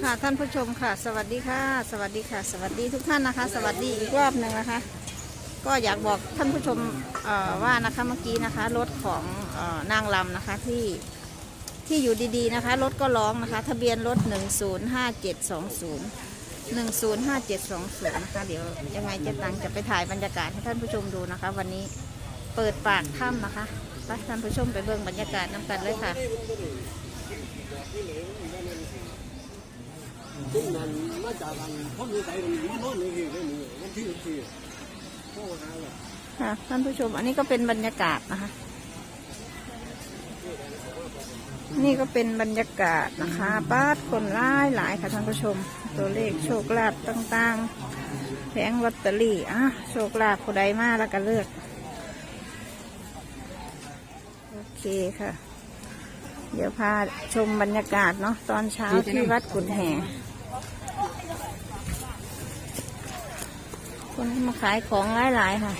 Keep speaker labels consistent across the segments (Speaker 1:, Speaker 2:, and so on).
Speaker 1: ค่ะท่านผู้ชมค่ะสวัสดีค่ะสวัสดีค่ะสวัสดีทุกท่านนะคะสวัสดีอีกรอบหนึ่งนะคะก็อยากบอกท่านผู้ชมว่านะคะเมื่อกี้นะคะรถของนางลำนะคะที่อยู่ดีๆนะคะรถก็ร้องนะคะทะเบียนรถ105720นะคะเดี๋ยวยังไงเจ๊ตังจะไปถ่ายบรรยากาศให้ท่านผู้ชมดูนะคะวันนี้เปิดปากถ้ำนะคะไปท่านผู้ชมไปเบิ่งบรรยากาศน้ำกันเลยค่ะ
Speaker 2: ซึ่งมันมาจากกันพ้นวิสัยมันโน่นนี่ที่นี่มันที่โอ้หาเลย
Speaker 1: ค่ะท่านผู้ชมอันนี้ก็เป็นบรรยากาศนะคะนี่ก็เป็นบรรยากาศนะคะป้าคนหลายค่ะท่านผู้ชมตัวเลขโชคลาภต่างๆแผงลอตเตอรี่โชคลาภผู้ใดมาแล้วก็เลือกโอเคค่ะเดี๋ยวพาชมบรรยากาศเนาะตอนเช้าที่วัดกุฎแห่คนมาขายของหลายๆค่ะ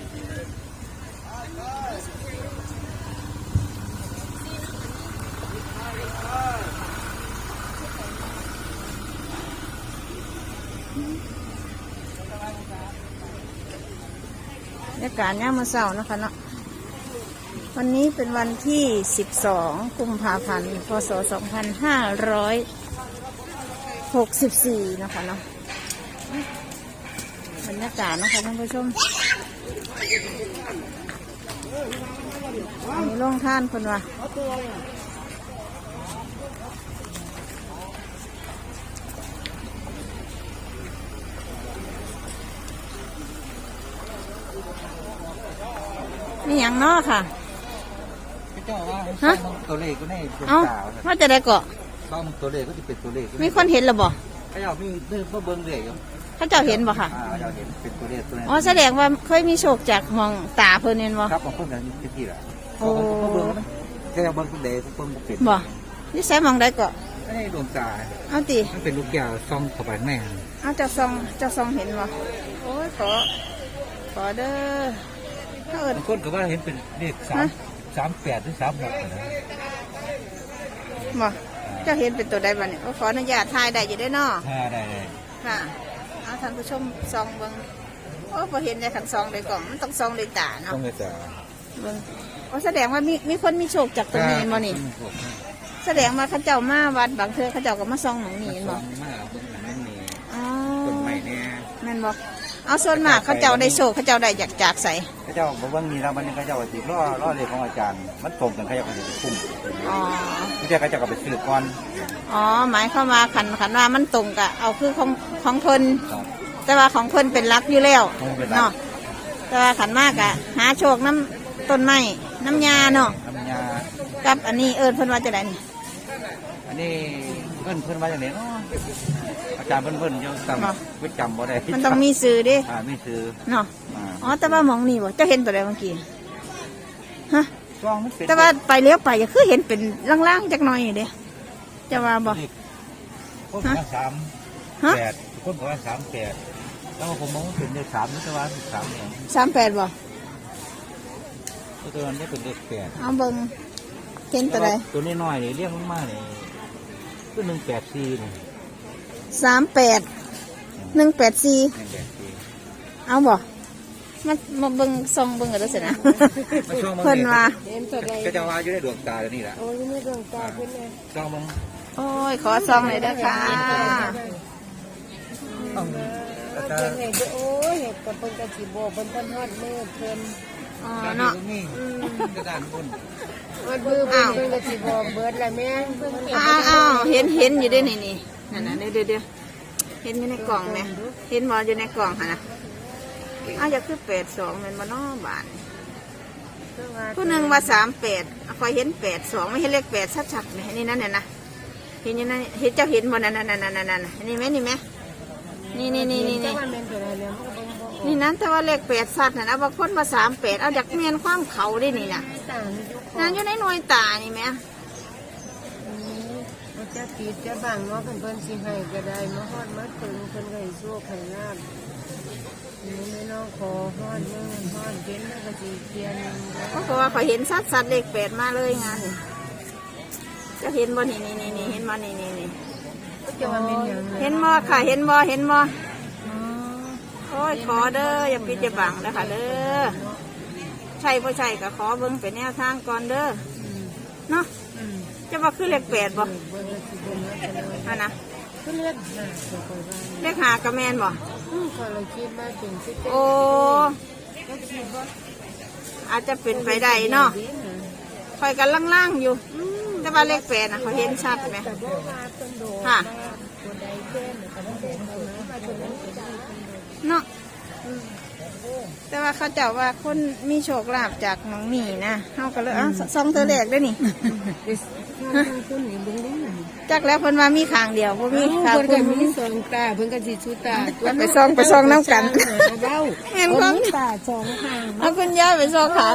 Speaker 1: บรรยากาศย่ามมื้อเช้านะคะเนาะวันนี้เป็นวันที่12 กุมภาพันธ์ พ.ศ. 2564นะคะเนาะบรรยากาศนะคะท่านผู้ชมอันนี้โรงท่านคนว่านี่อย่างนอกค่ะ
Speaker 2: เจ้าว่าตัวเลขก็ได้เป็นสาว
Speaker 1: ว่าจะได้เกาะ
Speaker 2: บางตัวเลขก็จะเป็นตัวเลข
Speaker 1: มีคนเห็นหรือบ่
Speaker 2: เขาเจ้ามีเรื่องเบิ้งเลขอยู่
Speaker 1: เขาเจ้าเห็นบ่ค่ะ
Speaker 2: เจ้าเห็นเป็นตัวเลขตัวนั้น
Speaker 1: อ๋อแสดงว่าเคยมีโชคจากมองตาเพิ่นเห็นบ่
Speaker 2: ครับของเพิ่นนั้นที่ละโอ้เบิ้งแค่เบิ้งตัวเลขเบิ้งบุกเป็น
Speaker 1: บ่นี่ใส่มองได้เกาะ
Speaker 2: ไม่ได้ดวงตา
Speaker 1: เอาติ
Speaker 2: มันเป็นลูกแก้วซองเข้าไปแม่
Speaker 1: เอาเจ้าซองเห็นบ่โอ้ยขอเด้อบ
Speaker 2: างคนก็ว่าเห็นเป็นเลข38หรือ36นะ
Speaker 1: บ่เจ้าเห็นเป็นตัวใดบ้างเนี่ยขออนุญาตถ่ายได้อยู่ได้เนาะ
Speaker 2: ได้
Speaker 1: ค่ะเอาท่านผู้ชมซองเบิ่งโอ้พอเห็นในขันซองเลยกล่องมันต้องซองเลยตาเนาะ
Speaker 2: ต้องเลยตา
Speaker 1: เบิ่งโอ้แสดงว่ามีคนมีโชคจากตรงนี้มานี่แสดงว่าเขาเจ้ามาวัดบางเทื่อเขาเจ้าก็มาซองหนองนี่
Speaker 2: บ่
Speaker 1: อ๋อ
Speaker 2: ต้นไม้เนี่ย
Speaker 1: แม่นบอกเอาส่วนมากเขาเจ้าได้โชคเขาเจ้าได้จากใส
Speaker 2: เขาเจ้าบอกว่ามีแล้วมันเขาเจ้าติดล่อเลยของอาจารย์มันตรงกันเขาเจ้าก็จะคุ้ม
Speaker 1: อ๋อ
Speaker 2: ที่เจ้าเขาเจ้าก็ไปซื้อก่อน
Speaker 1: อ๋อหมายเข้ามาขันว่ามันตรงกับเอาคือของเพิ่นแต่ว่าของเพิ่นเป็นรักอยู่แล้วเนาะแต่ว่าขันมากอะหาโชคน้ำต้นไม้น้ำยาเนาะ
Speaker 2: น้ำยา
Speaker 1: กับอันนี้เพิ่นว่าจะได้นี่
Speaker 2: อันนี้เพิ่นว่าอย่างไรเนาะอาจารย์เพิ่นยังจำไม่จำบ่ได้
Speaker 1: มันต้องมีซื้อดิ
Speaker 2: มีซื้อ
Speaker 1: เนาะอ๋อแต่ว่ามองนี่บ่เจ้าเห็นตัวใดเมื่อกี้ฮะแต่ว่าไปเลี้ยวไปอย่าคือเห็นเป็นล่างๆจักหน่อยเด้จะว่าบ่
Speaker 2: คนว่า38คนว่า38แล้วผมมองเป็นเลข3นี่แต่ว่า13เนี่ย
Speaker 1: 38บ่
Speaker 2: ตัวนั้นเป็นเลข8
Speaker 1: เอาเบิ่งเห็นตัวใด
Speaker 2: ตัวนี้น้อยนี่เรียกมากๆนี่คือ184นี่
Speaker 1: 38 184เอาบ่มาเบิ่งซองเบิ่งกันแล้วสินะเพิ่นว่า
Speaker 2: ก็จะว่าอยู่ในดวงตาแล้วนี่แหละ
Speaker 3: โอ้ยในดวงตาเพิ่นเลย
Speaker 2: ซองมึง
Speaker 1: โอ้ยขอซองหน่อยด้วยค่ะ
Speaker 3: โอ้ยกับเพิ่นกะสิบ่เพิ่นทันฮอดมือเพิ่น
Speaker 1: อ๋อเนาะ
Speaker 2: กระดานบน
Speaker 3: มันมือเพิ่นกะสิบ่เบิดแล้วแม่
Speaker 1: อ้าวเห็นอยู่ด้วยนี่นั่นๆเดี๋ยวเห็นอยู่ในกล่องไหมเห็นบ่อยู่ในกล่องค่ะนะอยากคือ82เป็นบ่น้อบาทผู้หนึ่งว่า38คอยเห็น82ไม่เห็นเลข8ชัดๆไหมนี่นั่นเนี่ยนะเห็นยังไงเห็นเจ้าเห็นบ่นั่นนี่ไหมนี่นั่นแต่ว่าเลข8ชัดนะบางคนว่า38เอาจากเมียนความเขาได้นี่นะนั่นอยู่ในหน่วยตานี่ไหม
Speaker 3: จะติดจะบังว่าเพิ่นสิให้ก็ได้มาฮอดมาถึงเพิ่นก็ให้โชคให้ลาภนี่ไม่น้องขอฮอดมือฮอดเห็นแล้วก็สิเขียน
Speaker 1: เพราะว่าเขาเห็นชัดเลข8มาเลยงานจะเห็นบ่นี่เห็นมานี่
Speaker 3: จะว่าเป็นอย่างไร
Speaker 1: เห็นบ่ค่ะเห็นบ่เห็นบ่โอ้ยขอเด้ออย่าปิดอย่าบังนะคะเด้อใช่บ่ใช่ก็ขอเบิ่งเป็นแนวทางก่อนเด้อเนาะจะว่าคือเลข8บ่ฮะนะ
Speaker 3: ก็เลือดหาตัวไปบ้าง
Speaker 1: เลข5ก็แม่นบ่
Speaker 3: ก็เลยคิดว่าเป็นสิ
Speaker 1: โอ้
Speaker 3: ก็คิดว่า
Speaker 1: อาจจะเป็นไปได้เนาะคอยกันล่างๆอยู่แต่ว่าเลข8น่ะเขาเห็นชัดไหม
Speaker 3: แต่ว่าว่าต้นโด
Speaker 1: ค่ะ
Speaker 3: ตัวใดเต้นแต่ว่าเต้นเอานะว่าตัวนั้นจะได้
Speaker 1: เนาะแต่ว่าเขาเจ้าว่าคนมีโชคลาภจากน้องหมีนะเฮาก็เลยซองเธอแรกได้อนี่
Speaker 3: ต้นนี้เบิ่งได้ไหม
Speaker 1: จักแล้วเพิ่นว่ามีข้างเดียวบ่มีข้าง
Speaker 3: เพิ่น
Speaker 1: คุ
Speaker 3: ก็
Speaker 1: ณ
Speaker 3: มีสองตาเพิ่นก็สิชูตา
Speaker 1: ไปซองน้ำกัน
Speaker 3: เบ้า
Speaker 1: แม่นความ
Speaker 3: ตาสองข้าง
Speaker 1: เอาคุณย่าไปซองขาง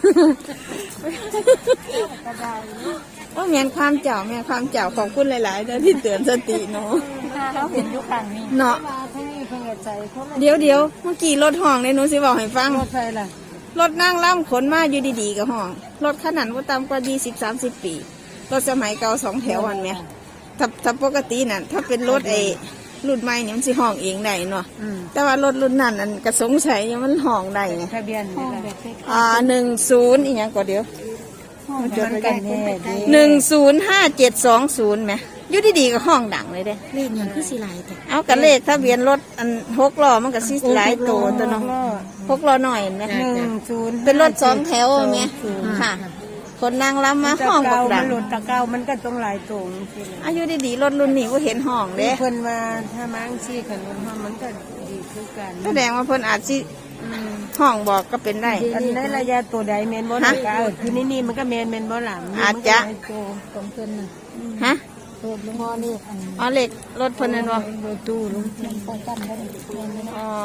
Speaker 1: โอ้แม่นความเจ้าแม่นความเจ้าขอบคุณหลายๆเด้อที่เตือนสติเนาะ
Speaker 3: เขาเห็นอยู่ข้างนี้
Speaker 1: เนาะ
Speaker 3: ว่าทั้งนี้เพิ่นก็ใจเขา
Speaker 1: เดี๋ยวเมื่อกี้รถห้องเลยหนูสิบอกให้ฟัง
Speaker 3: รถไฟล่ะ
Speaker 1: รถนั่งล่ำขนมาอยู่ดีๆกับห้องรถขนาดว่าต่ำกว่า20-30 ปีรถสมัยเก่า2 แถวอันเนี้ยถ้าปกติน่ะถ้าเป็นรถรุ่นใหม่เนี่ยมันสิห้องเองได้เนาะแต่ว่ารถรุ่นนั้นอันก็สงสัยยังมันห้องได้ไง
Speaker 3: ทะเบียนนี่ล่ะ
Speaker 1: 10อีกอย่างก็เดี๋ยว
Speaker 3: มันกันแน่ดี
Speaker 1: 105720ไหมอยู่ดีๆก็ห้องดังเลยเด้
Speaker 3: เลขอย่างคือสิหลายแต่
Speaker 1: เอากระเลขทะเบียนรถอัน6 ล้อมันก็สิหลายโตตัวเนาะ6 ล้อหน่อยนะ
Speaker 3: 10
Speaker 1: เป็นรถ2 แถวไหมค่ะ คนนางล้ำมาห้องบักดั
Speaker 3: มั
Speaker 1: ง
Speaker 3: นหลุดตะเกามันก็ต้องหลายตรงสิ
Speaker 1: อายุดีๆรถรุ่นนี้ก็เห็นห้องเด้
Speaker 3: เพิ่นว่าถ้ามังซี่ขันมันก็ดีคือกัน
Speaker 1: แสดงว่าเพิ่นอาจสิห้องบอกก็เป็นได้
Speaker 3: อันในระยะตัวใดแมนบ่ตะเกาคือนี่มันก็แมนบ่หลัง
Speaker 1: อาจจะ
Speaker 3: ของเพิ่นน่ะ
Speaker 1: ฮะ
Speaker 3: เพิ่นหม้อนี่อัน
Speaker 1: อ๋อเหล็กรถเพิ่นนั่นบ่
Speaker 3: รถตู้ลุงเพิ่นป้องกันได้
Speaker 1: อ๋อ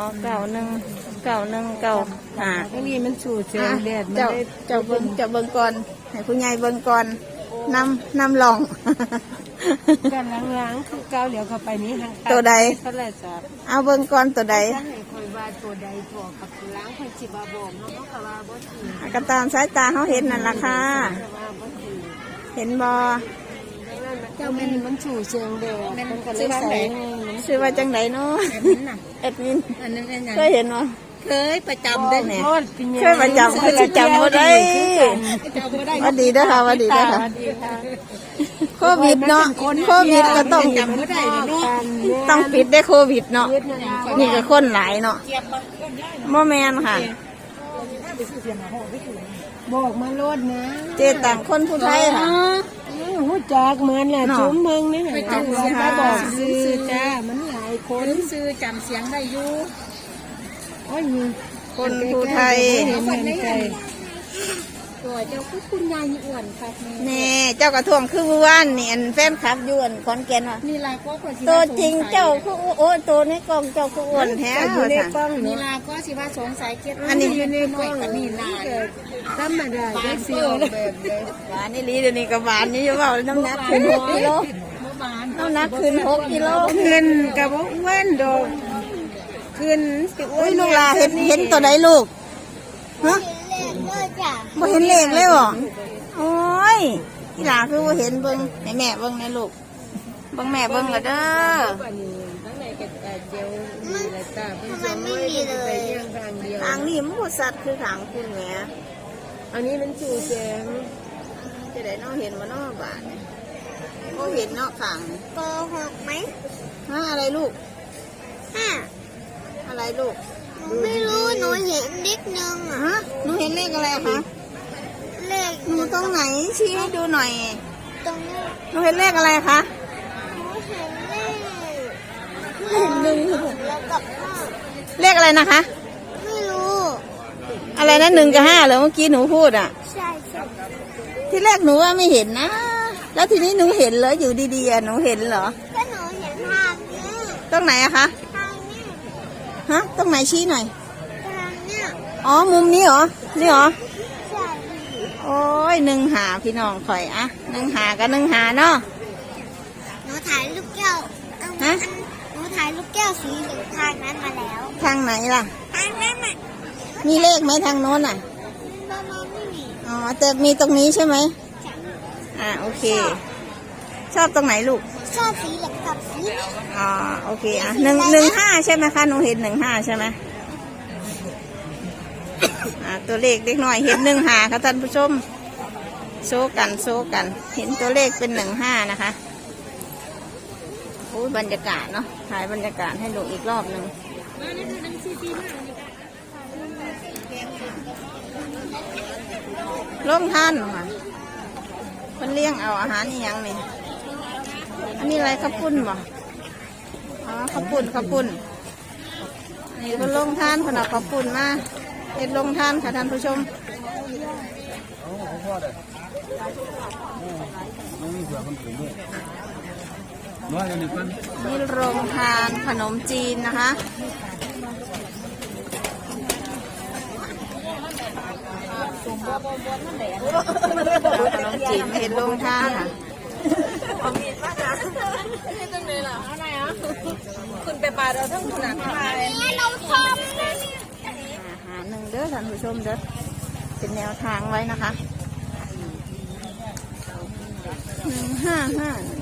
Speaker 1: 919195
Speaker 3: ทั้งนี้มันสูดเสียงแดดมัน
Speaker 1: เจ้า
Speaker 3: ได้
Speaker 1: เจ้าเบิ่งก่อนให้ผู้ใหญ่เบิ่งก่อนนำลอง
Speaker 3: กันล้างๆคือเกาเดี๋ยวเข้าไปนี้ทาง
Speaker 1: ตัวใด
Speaker 3: เท่าไหร่จ้ะ
Speaker 1: เอาเบิ่งก่อนตัวใด
Speaker 3: ถ้าให้คอยว่าตัวใดตัวกับล้างคอยสิบ่บอกเนาะก็ว่าบ่ถือ
Speaker 1: ก็ตามสายตาเขาเห็นนั่นล่ะค่ะ
Speaker 3: ว่าบ่ถือ
Speaker 1: เห็นบ่
Speaker 3: เจ้ามันสู่เชียงเดียวมันก็เลยใส่
Speaker 1: ชื่อว่าจังไดเนาะแอดมิน
Speaker 3: อันนั้นเป็นยัง
Speaker 1: เคยเห็นบ่
Speaker 3: เคยประจำได้แหน่
Speaker 1: เคยประจำคือสิจำบ่ได้หวัดดีเด้อค่ะหวัดดีเด้อค่ะโควิดเนาะโควิดก็ต้องปิดได้โควิดเนาะนี่ก็คนหลายเนาะบ่แม่นค่ะ
Speaker 3: บอกมาโลดนะ
Speaker 1: เจตังคนผู้ไทยค่ะ
Speaker 3: หูจักเหมือนแหละ
Speaker 1: เนาะ
Speaker 3: จุ้มเมืองนี่
Speaker 1: ไปจังหวัด
Speaker 3: มาบอกซื้อจ้ามันหลายคน
Speaker 4: ซื้อจำเสียงได้อยู่
Speaker 3: โอ้ย
Speaker 1: คนผู้ไทย
Speaker 3: เห็นใจ
Speaker 4: ตัวเจ้าคือคุณยายอ้วนครับนี่
Speaker 1: แน่เจ้ากระท่วงคือเมื่อวานนี่อันแฟนคลับอยวนขอนแก่นว่า
Speaker 4: นี่ลาก็คน
Speaker 1: ตัวจริงเจ้าคือโอ้ยตัวในกล้องเจ้าคืออ้วนแท้
Speaker 3: อยู่ใน
Speaker 1: ว่า
Speaker 3: กล้
Speaker 1: ซั่น
Speaker 3: อง
Speaker 4: นี่
Speaker 3: เนาะ
Speaker 4: ลาก็สิว่าสงสัยเก็บ
Speaker 1: อันนี้
Speaker 3: อยู่ในกล้อง
Speaker 4: กับนี่ลา
Speaker 3: ธรรมดาได้เสียวแบบเลย
Speaker 1: หวานนี่ลีเดี๋ยวนี้ก็หวานนี่อยู่เปล่าน้ำหนักขึ้น6 กิโล
Speaker 4: เมื่อวาน
Speaker 1: น้ำหนักขึ้น6 กิโล
Speaker 3: ขึ้นกับว่าอ้วนดอกขึ้นสิอ้
Speaker 1: โอ้
Speaker 3: วย น
Speaker 1: ลูกหลาเห็นตัวใดลูกฮะบ่เห็นเลขเลยบ่โอ้ยอีหลาคือบ่เห็นเบิ่งให้แม่เบิ่งในลูกเบิ่งแม่เบิ่งละเด้อ
Speaker 3: วันนี้ทั้งในกระต่ายเจียวมีอะไรตาเป็นสองไม่มีเลยไปย่างทางเดียว
Speaker 1: ทางนี้มันบ่สัตว์คือทางคุณแหม
Speaker 3: อันนี้มันจู่แสง
Speaker 1: จะได้เนาะเห็นบ่เนาะบาดนี่บ่เห็นเนาะข้างนี่
Speaker 5: โกหกไหม
Speaker 1: ฮะอะไรลูก
Speaker 5: ห้า
Speaker 1: อะไรลูก
Speaker 5: หนูไม่รู้ หนูเห็นนิดนึงอ่ะ
Speaker 1: ฮะหนูเห็นเลขอะไรคะ
Speaker 5: เลข
Speaker 1: หนูตรงไหนชี้ให้ดูหน่อย
Speaker 5: ตรงนี้
Speaker 1: หนูเห็นเลขอะไรคะ
Speaker 5: หนูเห็นเลข
Speaker 1: หนึ่ง
Speaker 5: แล้วกับห้า
Speaker 1: เลขอะไรนะคะ
Speaker 5: ไม่รู้
Speaker 1: อะไรนะ1 กับ 5เหรอเมื่อกี้หนูพูดอ่ะ
Speaker 5: ใช่ใช่
Speaker 1: ที่แรกหนูว่าไม่เห็นนะ แล้วทีนี้หนูเห็นเหรออยู่ดีๆอะหนูเห็นเหรอ
Speaker 5: ก็หนูเห็นทางนี้
Speaker 1: ตรงไหนอะคะ
Speaker 5: ทางนี้
Speaker 1: ฮะตรงไหนชี้หน่อย
Speaker 5: ทางเนี้ย
Speaker 1: อ๋อมุมนี้เหรอนี่เหรอ
Speaker 5: ใช่
Speaker 1: โอ้ย1 หาพี่น้องข่อยอะ1 หากับ1 หาเนาะ
Speaker 5: หนูถ่ายลูกแก้ว
Speaker 1: ฮะ
Speaker 5: หนูถ่ายลูกแก้วสีเหลืองทางนั้นมาแล้ว
Speaker 1: ทางไหนล่ะ
Speaker 5: ทางนั้นอ่ะ
Speaker 1: มีเลขไหมทางโน้นอ่ะ
Speaker 5: ประมาณไม่มี
Speaker 1: อ๋อแต่มีตรงนี้ใช่ไหม
Speaker 5: ฉัน
Speaker 1: โอเค ชอบตรงไหนลูก
Speaker 5: ชชอบสีเหลืองกับสีเหลือง
Speaker 1: อ๋อโอเคอ่ะ115ใช่ไหมคะหนูเห็น15ใช่ไหมตัวเลขเล็กน้อยเห็น15ค่ะท่านผู้ชมโซกันเห็นตัวเลขเป็น15นะคะโอ้ยบรรยากาศเนาะถ่ายบรรยากาศให้ดูอีกรอบหนึ่งร่มท่านค่ะมันเลี้ยงเอาอาหารนี่ยังนี่อันนี้อะไรข้าวปุ้นบ่อ๋อข้าวปุ้นนี่ก็ลงท่านขนาดข้าวปุ้นมาเห็ดลงท่านค่ะท่านผู้ชมนี่โรงทานขนมจีนนะคะขนมจีนเห็ดลงท่านค่ะคุณไปปลาเราทั้งขนาดไหน
Speaker 5: เราชอบ
Speaker 1: อาหารหนึ่งเด้อท่านผู้ชมเด้อเป็นแนวทางไว้นะคะ155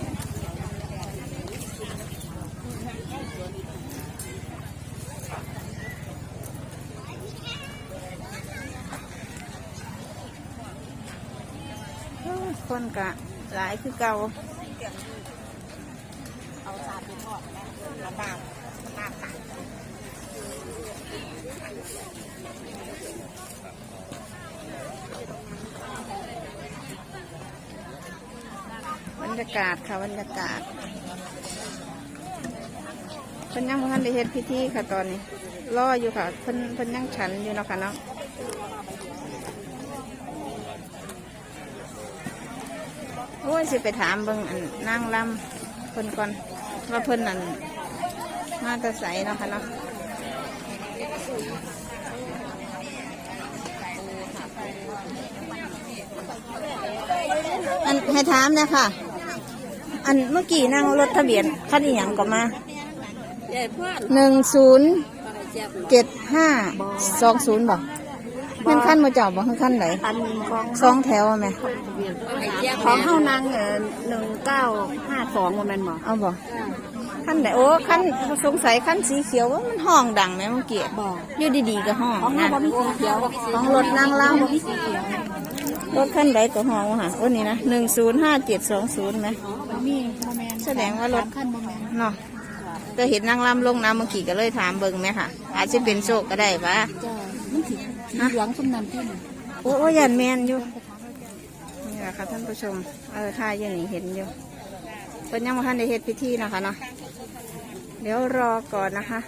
Speaker 1: คนกะหลายคือเก่าบรรยากาศค่ะบรรยากาศเพิ่นยังบ่ทันได้เฮ็ดพิธีค่ะตอนนี้รออยู่ค่ะเพิ่นยังฉันอยู่เนาะค่ะเนาะโอ้ยสิไปถามเบิ่งอันนางลำเพิ่นก่อนว่าเพิ่นนั่นมาแตะไสเนาะค่ะเนาะอันให้ถามเนี่ยค่ะอันเมื่อกี้นั่งรถทะเบียนคันอีหยังก็มา107520บอกมันขั้นมาเจ้าบอกขั้นไหน2แถวไหม
Speaker 4: ของเฮานาง1952ว่าแม่นบ่
Speaker 1: เอาบอกขั้นไหนโอ้ขั้นสงสัยขั้นสีเขียวว่ามันห้องดังไหมเมื่อกี้อยู่ดีๆก็ห้อง
Speaker 4: ของเฮา
Speaker 1: นะ
Speaker 4: บ่มีสีเขียว
Speaker 1: ของรถนั่งเล่า
Speaker 4: บ่มีสีเขียว
Speaker 1: รถขั้นใดก็ห้องว่ะค่ะโอ้นี่นะ105720ไหม
Speaker 4: มีบ่แม่น
Speaker 1: แสดงว่ารถ
Speaker 4: คันบ่แม่น
Speaker 1: เนาะก็เห็นนั่งล่ำลงน้ำเมื่อกี้ก็เลยถามเบิ่งไหมค่ะอาจจะเป็นโชคก็ได้ปะ
Speaker 4: จ้ามันสีเหลืองซุ่มนั้นที่
Speaker 1: โอ้ยันแมนอยู่นี่แหละค่ะท่านผู้ชมท่าอย่างนี้เห็นอยู่เป็นยังมาทันได้เฮ็ดพิธีนะคะเนาะเดี๋ยวรอก่อนนะคะ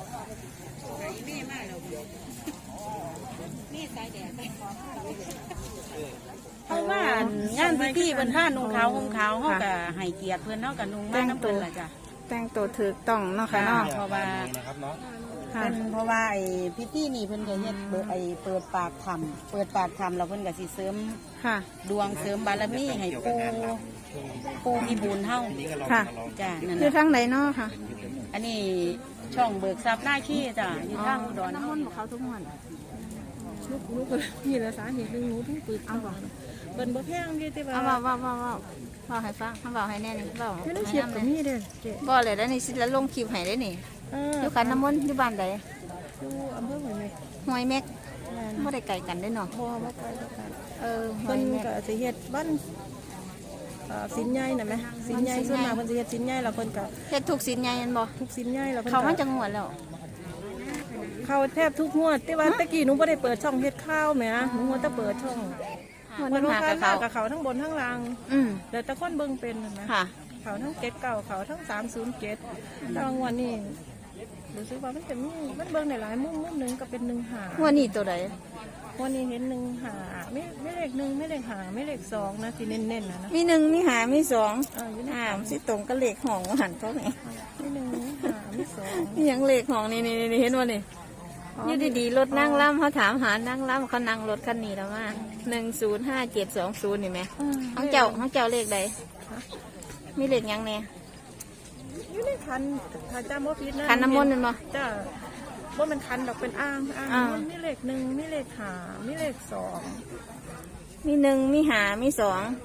Speaker 6: เพราะว่างานพิธีเพิ่นผ้านุ่งขาวห่มขาวเฮาก็ให้เกียรติเพิ่นเนาะก็นุ่งมาน้ำเพิ่นล่ะจ้ะ
Speaker 1: แต่งตัวถูกต้องเนาะค่ะเนาะ
Speaker 6: เพราะว่า
Speaker 1: ค่ะ
Speaker 6: เพิ่นเพราะว่าไอ้พิธีนี่เพิ่นก็เฮ็ดเปิดปากธรรมแล้วเพิ่นก็สิเสริม
Speaker 1: ค่ะ
Speaker 6: ดวงเสริมบารมีให้ปู่มีบุญเฮา
Speaker 1: ค่ะ
Speaker 6: จ้ะนั่น
Speaker 1: อยู่
Speaker 6: น่ะ
Speaker 1: ทางไหนเนาะค่ะ
Speaker 6: อันนี้ช่องเบิกทรัพย์หน้าขี้จ้ะอยู่ทางอุดร
Speaker 1: น้ำ
Speaker 6: เฮา
Speaker 1: มันต์เขาทุกวัน
Speaker 3: ลูกนี่แหละสาเหตุหนึ่งหนูถึงปึกเอาบ่เบิ่นบ่แพงอยู่ที่ว่า
Speaker 1: เอาว่าให้ฟังเขาบอกให้แน่นี่บอก
Speaker 3: ไม่ได้เชียบกับนี่เด้อเจ๊
Speaker 1: บอกเลยแล้วนี่สิแล้วลงคลิปให้ได้นี่อยู่ขันน้ำมนต์อยู่บ้านใด
Speaker 3: ดูอำเภอหัวเม็ก
Speaker 1: ห้วยแม็กไม่ได้ไกลกันได้เนาะ
Speaker 3: บ่บ่ไกลบ่ไกล
Speaker 1: ห้ว
Speaker 3: เพิ่
Speaker 1: ย
Speaker 3: น
Speaker 1: แม็ก
Speaker 3: ก็สิเฮ็ดบ้านสินใหญ่น่ะแม่สินใหญ่ส่วนมากเพิ่นสิเฮ็ดสินใหญ่แล้วเพิ่นก็
Speaker 1: เฮ็ดทุกสินใหญ่ยันบ่
Speaker 3: ทุกสินใหญ่แล้วเพิ่น
Speaker 1: เขามัน
Speaker 3: ก็
Speaker 1: จะงวดแล้ว
Speaker 3: เข้าแทบทุกงวดแต่ว่าตะกี้หนูบ่ได้เปิดช่องเฮ็ดข้าวแหมหนูว่าแต่เปิดช่อง
Speaker 1: งวด
Speaker 3: มัน
Speaker 1: นึง
Speaker 3: ว่า
Speaker 1: หา
Speaker 3: ข้า
Speaker 1: กับเขา
Speaker 3: กับเขาทั้งบนทั้งล่าง
Speaker 1: อืม
Speaker 3: แล้วแต่คนเบิ่งเป็นน่ะแม่
Speaker 1: ค่ะ
Speaker 3: เขาทั้ง79เขาทั้ง307แต่ว่างวดนี้รู้สึกว่ามันจะมีมันเบิ่งได้หลายมุมหนึงก็เป็น1
Speaker 1: งวดนี้ตัวใด
Speaker 3: 5วันนี้เห็น1 5ไม่เลข1ไม่เลข5ไม่เลข2นะที่เน้นๆนะ
Speaker 1: มีหนึ่งมีหามีสอง
Speaker 3: อยู่ใน
Speaker 1: สิตรงกับเลขห้องหันเขาไง
Speaker 3: ไม่1 5ไม่2
Speaker 1: นี่ยังเลขห้องนี่เห็นว่านี่อยู่ดีๆรถนั่งล่ำเขาถามหานั่งล่ำเขานั่งรถคันนี้แล้วมา105720นี่ไหมของเจ้าเลขใดมีเลขยังเนี่ย
Speaker 3: อยู่ในคันถ้าจำบ่ผิดนะ
Speaker 1: ขันน้ำมนต์นั่นบ่
Speaker 3: จ้าว่ามันคันดอกเป็นอ่าง
Speaker 1: อ่า
Speaker 3: มันมีเลข1มีเลข5มีเลข2
Speaker 1: มีหนึ่งมีหามีสอง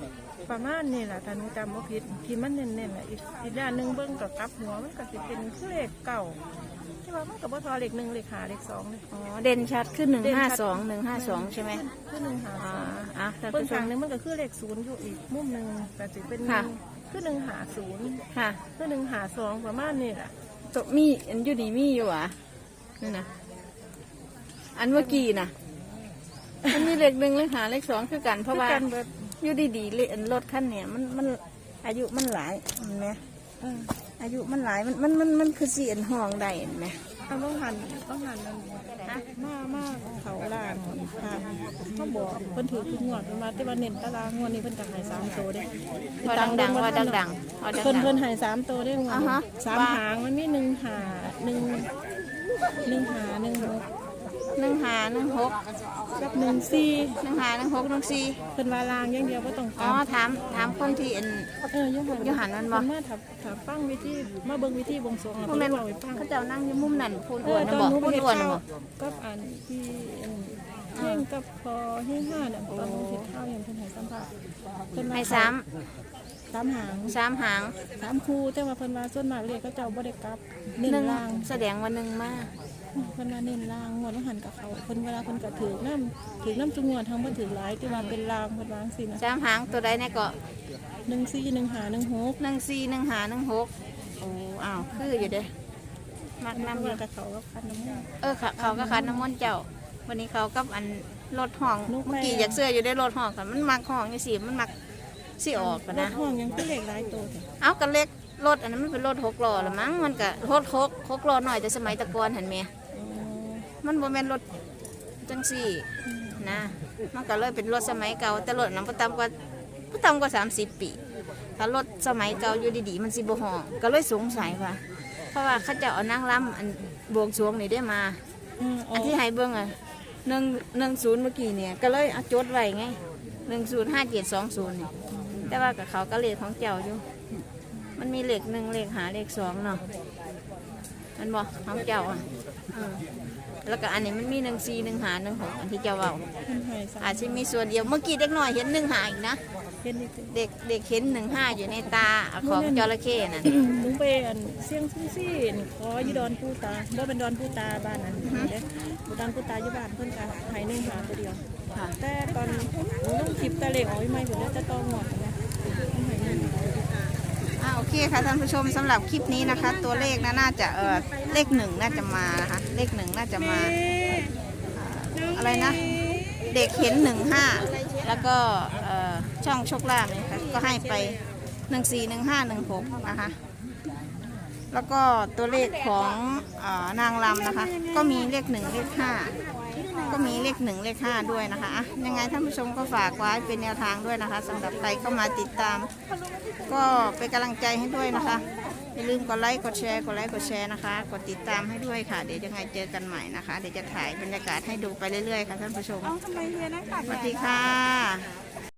Speaker 3: ประมาณนี่แหละถ้าหนูจำว่าผิดที่มันเน้นๆแหละอีกด้านหนึ่งเบิ้งกับกลับหัวมันก็จะเป็นเลขเก่าที่ว่ามันกับว่าทอเลขหนึ่งเลขหาเลขสองเลย
Speaker 1: อ๋อเด่นชัดขึ้น152ใช่ไหม
Speaker 3: คือหนึ่งหา
Speaker 1: อ่ะท่าน
Speaker 3: เบิ้ง
Speaker 1: ผู้ช
Speaker 3: ฝั่
Speaker 1: ม
Speaker 3: งหนึงมันก็คือเลขศูนย์อยู่อีกมุมหนึ่งแต่จะเป็น
Speaker 1: ค่ะ
Speaker 3: คือหนึ่งหาศูนย์
Speaker 1: ค่ะ
Speaker 3: คือหนึ่งหาสองประมาณนี่แหละ
Speaker 1: ตกมีอันอยู่นี่มีอยู่อ่ะนี่นะอันเมื่อกี้นะมันมีเลข1เลข5เลข2คือกันเพราะว่า
Speaker 3: คือกันเบิด
Speaker 1: อยู่ดีๆเลยอันรถคันเนี่ยมันอายุมันหลายเห็นไหมอายุมันหลายมันคือสีอันห้องได้เห็นไหม
Speaker 3: เอาต้องหันนั่นมาเขาล่างค่ะเขาบอกเพิ่นถือทุกงวดเพิ่นมาแต่ว่าเน้นตารางงวดนี้เพิ่นก็ให้3ตัวเด้
Speaker 1: พอดังๆว่าดังๆพอดั
Speaker 3: เพิ่น
Speaker 1: ง
Speaker 3: เพิ่นให้3ตัวเด้งวด
Speaker 1: อ่าฮะ
Speaker 3: สาม
Speaker 1: ว่า
Speaker 3: หางมันมี1 หา1 หา1 6
Speaker 1: 1516
Speaker 3: กับ1 4
Speaker 1: 1516
Speaker 3: เพิ่นว่าลางอย่างเดียวบ่ต้อง
Speaker 1: 14
Speaker 3: ก
Speaker 1: อ๋อ
Speaker 3: ลับ
Speaker 1: ถามคนที่อัน
Speaker 3: อยู่หัน
Speaker 1: มันบ่
Speaker 3: เพิ่นมาถ้าฟังวิธีมาเบิ่งวิธีบวงสรวงแล้ว
Speaker 1: พวก
Speaker 3: เพิ่
Speaker 1: นั้น
Speaker 3: นเว้าให้ฟัง
Speaker 1: เขาเจ้านั่งอยู่มุมนั่นพูน
Speaker 3: เอ
Speaker 1: อ้ว
Speaker 3: อน
Speaker 1: นะ
Speaker 3: ตอน
Speaker 1: บอก
Speaker 3: หนูไป
Speaker 1: พูน
Speaker 3: เฮ็ด
Speaker 1: อ้วนนะ
Speaker 3: ข้าว
Speaker 1: บอก
Speaker 3: กับอันที่เฮงกับพอเฮง5เนี่ยตอนหนูเฮ็ดข้าวอย่างเพิ่นให้สัมภาษณ์เพิ่นว่า
Speaker 1: ให้
Speaker 3: 3 หาง
Speaker 1: 3หาง
Speaker 3: 3คู่แต่ว่าเพิ่นว่าส่วนมากเลขเขาเจ้าบ่ได้กลับเน้น
Speaker 1: หนึ่ง
Speaker 3: ล่าง
Speaker 1: แสดงว่า1มา
Speaker 3: เพิ่นว่าเน้นล่างงวดว่าหันกับเขาเพิ่นเวลาเพิ่นก็ถือน้ำทุกงวดทั้งบ่ถือหลายที่ว่าเป็นล่างเพิ่นวาจังซี่นะ
Speaker 1: 3หางตัวใดเนี่ยก็
Speaker 3: 14 1 5 1 6
Speaker 1: 141516โอ้อ้าวคืออยู่เด้มัก
Speaker 3: นำ
Speaker 1: นำอ
Speaker 3: เงิ
Speaker 1: ยู่
Speaker 3: นกับเขากับคันน้ำมัน
Speaker 1: เขาก็คันน้ำมนต์เจ้า วันนี้เขากับอันรถห้อง
Speaker 3: ลูกแม่
Speaker 1: เมื่อกี้อยากเสื้ออยู่ได้รถห้องค่ะมันมักห้องนี่สิมันมักสิออกกัน
Speaker 3: ร
Speaker 1: นะ
Speaker 3: ถห้องยังคือเลขหลายตัวแท้
Speaker 1: เอากันเล็กรถอันนั้นมันเป็นรถ6 ล้อละมั้งมันก็รถ6 ล้อหน่อยแต่สมัยแตะกอนหันแม่
Speaker 3: อ๋อ
Speaker 1: มันบ่แม่นรถจังสี่นะมันก็เลยเป็นรถสมัยเก่าแต่รถนั้นบ่ต่ำกว่า30 ปีถ้ารถสมัยเก่าอยู่ดีๆมันสิบ่ห้องก็เลยสงสัยว่าเพราะว่าเขาจะเอานางรำอันบวงสรวงนี่ได้มา อันที่ให้เบิ่งอ่ะ110เมื่อกี้เนี่ยก็เลยเอาจดไว้ไง105720นี่แต่ว่ากับเขาก็เลขของเจ้าอยู่ มันมีเลข1เลข5เลข2เนาะมันบ่ของเจ้าอ่ะแล้วก็อันนี้มันมี141516อันที่เจ้าเว้า
Speaker 3: เพิ่นให้สาม
Speaker 1: อาจจะมีส่วนเดียวเมื่อกี้เด็กน้อยเห็น15อีกนะ
Speaker 3: เฮ็ดนี่ติ
Speaker 1: เด็กเห็น15อยู่ในตาของจระเข้นั่น
Speaker 3: หนูไปอันเสียงซี่ๆขออยู่ดอนปูตาบ่เป็นดอนปูตาบ้านนั้นเด้ดอนปูตาอยู่บ้านเพิ่นก็ให้1หาตัวเดียว
Speaker 1: ค่ะ
Speaker 3: แต่ตอนหนูต้องคลิปตะเลขออกใหม่เพิ่นจะต้องหมดนะให้1
Speaker 1: โอเคค่ะท่านผู้ชมสำหรับคลิปนี้นะคะ ตัวเลขน่าจะเลข1น่าจะมานะคะเลข1น่าจะมาอะไรนะ เด็กเห็น15แล้วก็ช่องโชคลาภเนี่ยค่ะก็ให้ไป141516นะคะแล้วก็ตัวเลขของนางรำนะคะ ก็มีเลข1เลข5ก็มีเลข1เลข5ด้วยนะคะอ่ะยังไงท่านผู้ชมก็ฝากไว้เป็นแนวทางด้วยนะคะสำหรับใครเข้ามาติดตาม ก็เป็นกำลังใจให้ด้วยนะคะอย่าลืมกดไลค์กดแชร์นะคะกดติดตามให้ด้วยค่ะเดี๋ยวยังไงเจอกันใหม่นะคะเดี๋ยวจะถ่ายบรรยากาศให้ดูไปเรื่อยๆค่ะท่านผู้ชมสวัสดีค่ะ